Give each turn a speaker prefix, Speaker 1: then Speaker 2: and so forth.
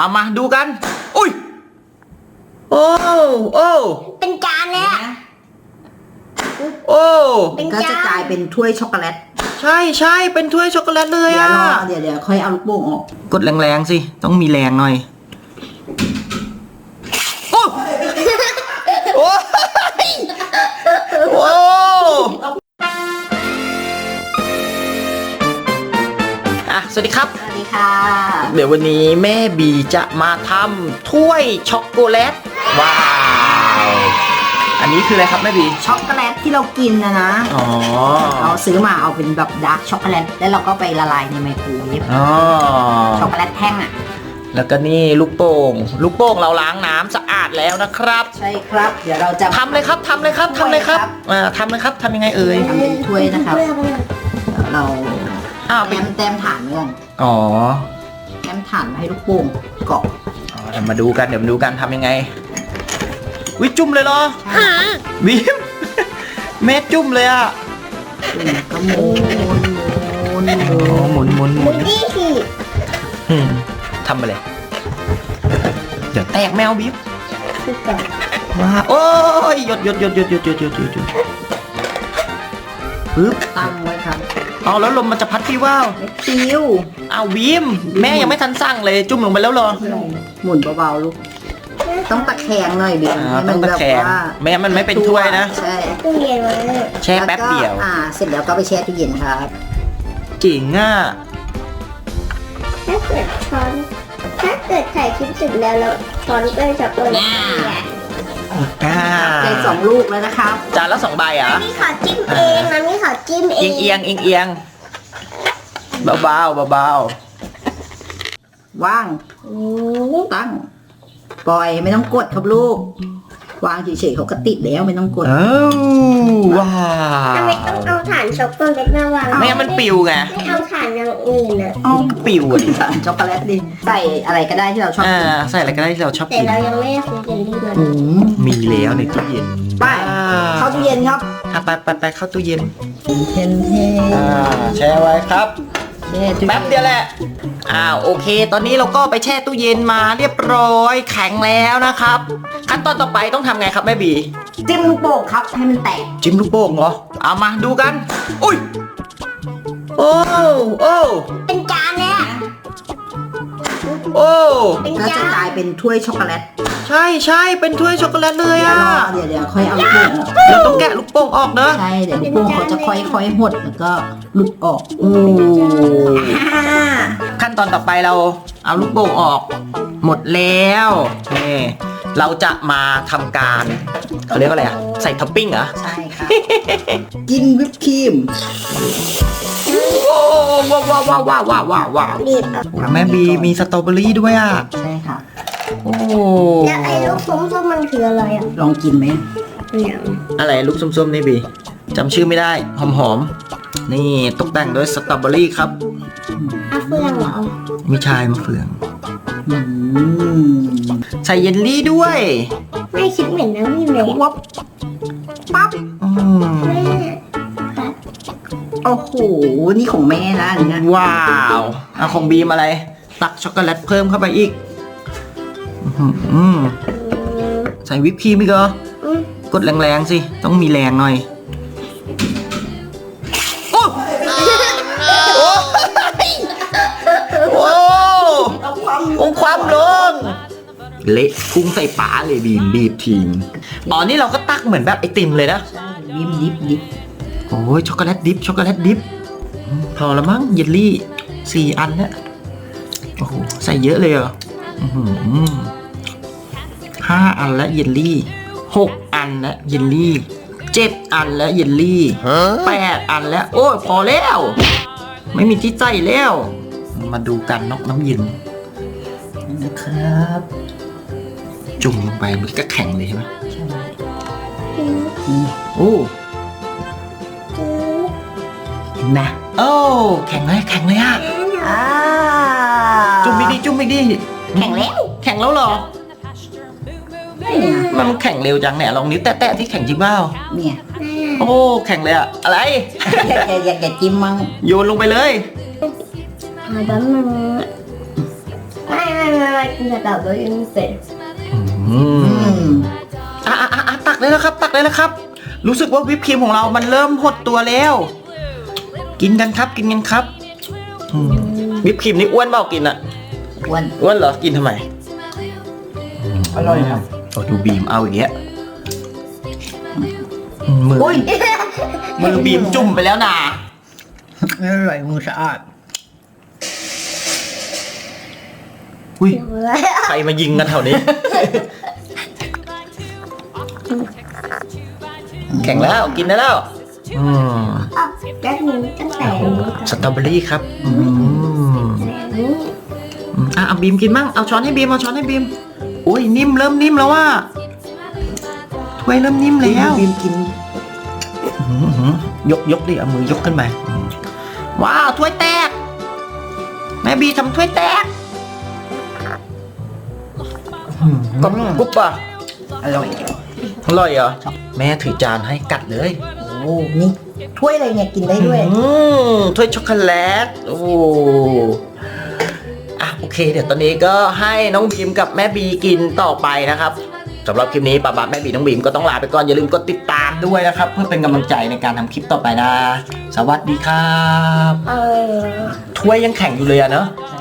Speaker 1: เอามาดูกันอุ้ยโอ้โอ้
Speaker 2: เป็นจานเลยอะ
Speaker 1: โอ้
Speaker 3: ก็จะกลายเป็นถ้วยช็อกโกแลต
Speaker 1: ใช่ใช่เป็นถ้วยช็อกโกแลตเลยอ่ะ
Speaker 3: เดี๋ยวค่อยเอาลูกโป่งออก
Speaker 1: กดแรงๆสิต้องมีแรงหน่อยโอ้โอ้โอ้สวัสดีครับ
Speaker 3: สวัสดีค่ะ
Speaker 1: เดี๋ยววันนี้แม่บีจะมาทำถ้วยช็อกโกแลตว้าวอันนี้คืออะไรครับแม่บี
Speaker 3: ช็อกโกแลตที่เรากินนะ
Speaker 1: อ๋อ
Speaker 3: เราซื้อมาเอาเป็นแบบดาร์กช็อกโกแลตแล้วเราก็ไปละลายในไมโครเวฟช็อกโกแลตแท่งอ่ะ
Speaker 1: แล้วก็นี่ลูกโป่งเราล้างน้ำสะอาดแล้วนะครับ
Speaker 3: ใช่ครับเดี๋ยวเราจะ
Speaker 1: ทำเลยครับทำเลยครับทำเลยครับทำยังไงเอ่ย
Speaker 3: ทำเป็นถ้วยนะครับเราแต้มฐานไว้ก่อน
Speaker 1: อ๋อ
Speaker 3: แต้มฐานให้ลูกโป่งเกาะ
Speaker 1: เดี๋ยวมาดูกันทำยังไงวิจุ่มเลยเหรอวิมแม่จุ่มเลยอ่ะ
Speaker 3: ก็หมุน
Speaker 2: นี่สิ
Speaker 1: ทำไปเลยเดี๋ยวแตกแมวบิ๊บว้าโอ้ยหยดปึ๊บ
Speaker 3: ตั้งไว้ครับ
Speaker 1: เอาแล้วลมมันจะพัดพี่ว่าว
Speaker 3: ไม่ปิว
Speaker 1: เอาวิมแม่ยังไม่ทันสั่งเลยจุ่มลงไปแล้วเหรอ
Speaker 3: หมุนเบาๆลูกต้องตะแคงหน่อยเบียร์ให้มันแบบว่า
Speaker 1: แม่มันไม่เป็นถ้วยนะ
Speaker 3: ใช่
Speaker 2: ตู้เย็นไว้
Speaker 1: แช่แป๊บเดียว
Speaker 3: เสร็จแล้วก็ไปแช่ตู้เย็นครับ
Speaker 1: จริงอ่ะ
Speaker 2: ถ้าเกิดถ่ายคลิปเสร็จแล้วช้อนก็จะเปิด
Speaker 3: ได้2 ลูกแล้วนะครับ
Speaker 1: จานละ2 ใบอ่ะ
Speaker 2: นี่ขอจิ้มเองนะนี่ขอจิ้มเอง
Speaker 1: เอียงเบา
Speaker 3: ว่างตั้งปล่อยไม่ต้องกดครับลูกวางเฉยๆเขาก็ติดแล้วไม่ต้องกด
Speaker 1: ว้า
Speaker 2: ทำไมต้องเอาถ่านช็อกโกแลตมาวาง
Speaker 1: ไม่งั้นมันปิวไง
Speaker 2: ไม่เอาถ่านอย่างอื่นอะ
Speaker 1: ปิวดิ
Speaker 3: ถ่านช็อกโกแลตดิใส่อะไรก็ได้ที่เราชอบกิน
Speaker 1: ใส่อะไรก็ได้ที่เราชอบกิน
Speaker 2: แต่เรายังไม่ได้ซื้อเจลลี่มา
Speaker 1: มีแล้วในตู้เย็น
Speaker 3: ไปเข้าตู้เย็นครับ
Speaker 1: ไปเข้าตู้เย็น
Speaker 3: แช่
Speaker 1: ไว้ครับแป๊บเดียวแหละโอเคตอนนี้เราก็ไปแช่ตู้เย็นมาเรียบร้อยแข็งแล้วนะครับขั้นตอนต่อไปต้องทำไงครับแม่บี
Speaker 3: จิ้มลูกโป่งครับให้มันแตก
Speaker 1: จิ้มลูกโป่งเหรอเอามาดูกันอุ้ยโอ้
Speaker 2: เป็นจานเลยอะ
Speaker 3: ก็จะกลายเป็นถ้วยช็อกโกแลต
Speaker 1: ใช่เป็นถ้วยช็อกโกแลตเลยอ่ะ
Speaker 3: เดี๋ยวค่อยเอาลูกโป่ง
Speaker 1: เราต้องแกะลูกโป่งออกนะ
Speaker 3: ใช่เดี๋ยวลูกโป่งเขาจะค่อยหดแล้วก็หลุดออก
Speaker 1: ขั้นตอนต่อไปเราเอาลูกโป่งออกหมดแล้วนี่เราจะมาทำการเขาเรียกว่าอะไรใส่ท็อปปิ้งเหรอ
Speaker 3: ใช่ค่ะกินวิปครีม
Speaker 1: ว้าวแม่บีมีสตรอเบอรี่ด้วยอ่ะ
Speaker 3: ใช่ค่ะ
Speaker 2: แล้วไอ้ลูกส้มมันคืออะไรอ่ะ
Speaker 3: ลองกินไหม
Speaker 1: อะไรลูกส้มๆนี่บีจำชื่อไม่ได้หอมนี่ตกแต่งด้วยสตรอเบอรี่ครับ
Speaker 2: มะเฟืองเหรอ
Speaker 1: ไม่ใช่มะเฟืองใส่เยลลี่ด้วย
Speaker 2: ไม่คิดเหมือนนะพี่เมย์
Speaker 3: ปั๊บโอ้โหนี่ของแม่นะอันนี้
Speaker 1: ว้าวของบีมอะไรตักช็อกโกแลตเพิ่มเข้าไปอีกใส่วิปครีมอีกเหรอกดแรงๆสิต้องมีแรงหน่อยโอ้ความลงเละพุ่งใส่ป๋าเลยบีบทิ้งนี่เราก็ตักเหมือนแบบไอติมเลยนะ
Speaker 3: ดิบ
Speaker 1: โอ้ยช็อกโกแลตดิบพอแล้วมั้งเยลลี่4 อันแล้วโอ้โหใส่เยอะเลยเหรอ5 อันแล้วเยลลี่6 อันแล้วเยลลี่7 อันแล้วเยลลี่8 อันแล้วโอ้ยพอแล้วไม่มีที่ใส่แล้วมาดูกันนอกน้ำเย็น
Speaker 3: นะครับ
Speaker 1: จุ่มลงไปมันก็แข็งเลยใช่ไหมโอ้
Speaker 3: นะ
Speaker 1: แข็งเลยอ่ะจุ่มอีกดิ
Speaker 3: แข็ง
Speaker 1: แล้วเหรอมันแข็งเร็วจังเนี่ยลองนิ้วแตะที่แข็งจริงเปล่า
Speaker 3: เนี่ย
Speaker 1: โอ้แข็งเลยอะอะไร
Speaker 3: อย่าจิ้มมั้ง
Speaker 1: โยนลงไปเลย
Speaker 2: แบบมัน
Speaker 1: โ
Speaker 2: ไม่กินสตรอเบอรี่ไม่เป็น
Speaker 1: ตักเลยแล้วครับ ตักเลยแล้วครับ รู้สึกว่าวิปครีมของเรามันเริ่มหดตัวแล้ว กินกันครับกินกันครับวิปครีมนี่อ้วนเปล่ากินอะ
Speaker 3: อ้วน
Speaker 1: เหรอกินทำไม
Speaker 3: อร่อยครับ
Speaker 1: โอ้ดูบีมเอาอย่างเงี้ยมือ
Speaker 3: อุ้ย
Speaker 1: มือบีมจุ่มไปแล้วนะ
Speaker 3: ไม่อร่อยมือสะอาด
Speaker 1: อุ้ยใครมายิงกันแถวนี้ แข่งแล้วกินได้แล้ว
Speaker 2: แป๊บนึงตั้งแต่นี้ก่อน
Speaker 1: สตรอเบอรี่ครับเอาบีมกินมั่งเอาช้อนให้บีมเอาช้อนให้บีมอุ้ยนิ่มเริ่มนิ่มแล้วว่าถ้วยเริ่มนิ่มแล้ว
Speaker 3: บีมกิน
Speaker 1: ยกดิเอามือยกขึ้นมาว้าวถ้วยแตกแม่บีทำถ้วยแตกกุ๊บป่ะ
Speaker 3: อร่อย
Speaker 1: อร่อยเหรอแม่ถือจานให้กัดเลย
Speaker 3: โอ้นี่ถ้วยอะไรเนี่ยกินได้ด้วย
Speaker 1: ถ้วยช็อกโกแลตโอ้โอเคเดี๋ยวตอนนี้ก็ให้น้องบีมกับแม่บีกินต่อไปนะครับสำหรับคลิปนี้ป้าแม่บีน้องบีมก็ต้องลาไปก่อนอย่าลืมกดติดตามด้วยนะครับเพื่อเป็นกำลังใจในการทำคลิปต่อไปนะสวัสดีครับถ้วยยังแข็งอยู่เลยอะเนอะ
Speaker 3: ใช่